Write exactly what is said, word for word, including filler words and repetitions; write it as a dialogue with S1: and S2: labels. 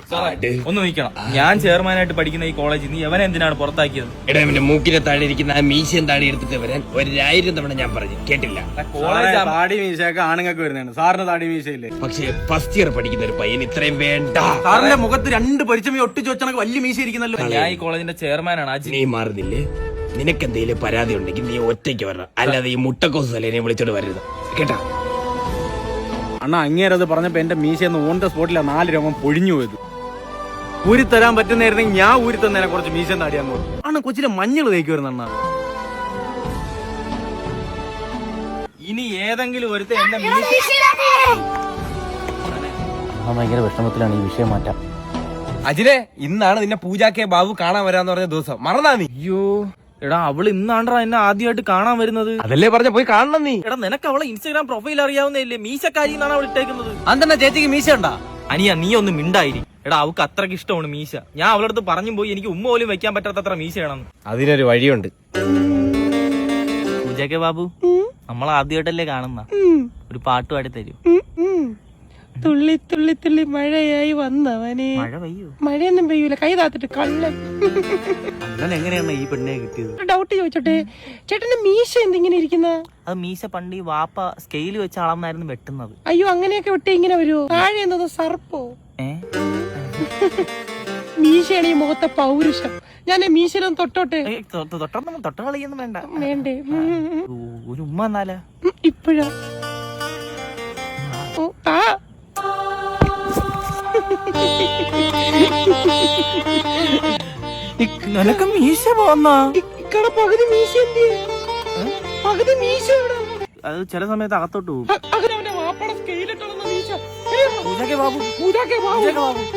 S1: ഒന്ന് നിൽക്കണം. ഞാൻ ചെയർമാനായിട്ട് പഠിക്കുന്ന ഈ കോളേജിൽ നീ എവനെ എന്തിനാണ് പുറത്താക്കിയത്?
S2: എടാ ഇവന്റെ മൂക്കിനെ താഴെ ഇരിക്കുന്ന ആ മീശയും താടി എടുത്തിട്ട് വരാൻ ഒരായിരം തവണ ഞാൻ പറഞ്ഞു, കേട്ടില്ല.
S1: കോളേജ്
S3: താടി മീശയൊക്കെ ആണുങ്ങൾക്ക് വരുന്നതാണ്. സാറിന് താടി മീശയില്ലേ?
S2: പക്ഷേ ഫസ്റ്റ് ഇയർ പഠിക്കുന്ന ഒരു പയ്യൻ ഇത്രയും വേണ്ട.
S3: സാറിന്റെ മുഖത്ത് രണ്ട് പരിചയം ഒട്ടിച്ചു വെച്ചാൽ വലിയ മീശ ഇരിക്കുന്നല്ലോ.
S1: ഞാൻ ഈ കോളേജിന്റെ ചെയർമാനാണ്. അജി,
S2: നീ മാറുന്നില്ലേ? നിനക്കെന്തെങ്കിലും പരാതി ഉണ്ടെങ്കിൽ നീ ഒറ്റയ്ക്ക് വരണം, അല്ലാതെ ഈ മുട്ടക്കോസ് തലേനെ വിളിച്ചോണ്ട് വരരുത്, കേട്ടാ?
S3: അണ്ണാ അങ്ങേരത് പറഞ്ഞപ്പോ എന്റെ മീശയെന്ന് ഓൺ ദ സ്പോട്ടിലാ നാല് രോമം പൊഴിഞ്ഞു പോയത്. ഊരി തരാൻ പറ്റുന്നായിരുന്നെങ്കിൽ ഞാൻ ഊരി തന്നേനെ കുറച്ച് മീശ താടിയാന്ന് പറഞ്ഞു. അണ്ണ കൊച്ചിലെ മഞ്ഞൾ തേക്കുമായിരുന്നു അണ്ണ.
S1: ഇനി ഏതെങ്കിലും ഒരുത്ത എന്റെ മീശ
S4: ഭയങ്കര വിഷമത്തിലാണ്. ഈ വിഷയം മാറ്റാം.
S2: അജിലെ, ഇന്നാണ് നിന്നെ പൂജാ കെ ബാബു കാണാൻ വരാന്ന് പറഞ്ഞ ദിവസം, മറന്നാ നീ?
S1: അയ്യോ എടാ, അവള് ഇന്നാണ്ടാ എന്നെ ആദ്യമായിട്ട് കാണാൻ വരുന്നത്.
S2: അതല്ലേ പറഞ്ഞ പോയി കാണണം നീ.
S1: എടാ, നിനക്ക് അവളെ ഇൻസ്റ്റാഗ്രാം പ്രൊഫൈൽ അറിയാവുന്നല്ലേ? മീശക്കാരി എന്നാണ് അവൾ ഇട്ടേക്കുന്നത്.
S3: അതെന്നാ ചേച്ചിക്ക് മീശ ഉണ്ടാ?
S1: അനിയ, നീ ഒന്ന് മിണ്ടായിരി. എടാ, അവൾക്ക് അത്രക്ക് ഇഷ്ടമാണ് മീശ. ഞാൻ അവളടുത്ത് പറഞ്ഞു പോയി എനിക്ക് ഉമ്മ പോലും വെക്കാൻ പറ്റാത്തത്ര മീശയാണെന്ന്.
S2: അതിനൊരു വഴിയുണ്ട്.
S1: പൂജ കെ ബാബു, നമ്മളെ ആദ്യമായിട്ടല്ലേ കാണുന്ന, ഒരു പാട്ട് പാടി തരൂ.
S5: തുള്ളി തുള്ളി തുള്ളി മഴയായി വന്നവനെ.
S1: മഴ പെയ്യൂ?
S5: മഴയൊന്നും പെയ്യൂല, കൈ താത്തിട്ട് കള്ളൻ.
S3: അങ്ങനെ എങ്ങനെയാണ് ഈ പെണ്ണെ കിട്ടിയത്?
S5: ഡൗട്ട് ചോദിച്ചോട്ടെ, ചേട്ടന്റെ മീശ എന്തിങ്ങനെ ഇരിക്കുന്ന?
S1: അത് മീശ പണ്ട് ഈ വാപ്പ സ്കെയിൽ വെച്ച് അളന്നായിരുന്നു വെട്ടുന്നത്.
S5: അയ്യോ, അങ്ങനെയൊക്കെ വെട്ടി ഇങ്ങനെ വരുമോ? താഴെ എന്നത് സർപ്പോ?
S1: ഏ
S5: മീശയാണ് ഈ മുഖത്തെ പൗരുഷം. ഞാൻ മീശയിലൊന്ന് തൊട്ടോട്ടെ?
S1: തൊട്ടൊന്നും തൊട്ട കളിയൊന്നും വേണ്ട.
S5: വേണ്ടേ?
S1: ഒരു ഉമ്മ എന്നാല
S5: ഇപ്പഴാ? ഓ, താ.
S1: നിനക്ക് മീശ പോന്ന
S5: ഇക്കട പകുതി മീശ എന്ത്? പകുതി മീശ എവിടെ?
S1: അത് ചില സമയത്ത് അകത്തോട്ട് പോകും.
S5: അവനവന്റെ വാപ്പയുടെ സ്കെയിലിട്ടുള്ള മീശ.
S1: Pooja K Babu,
S5: Pooja K Babu.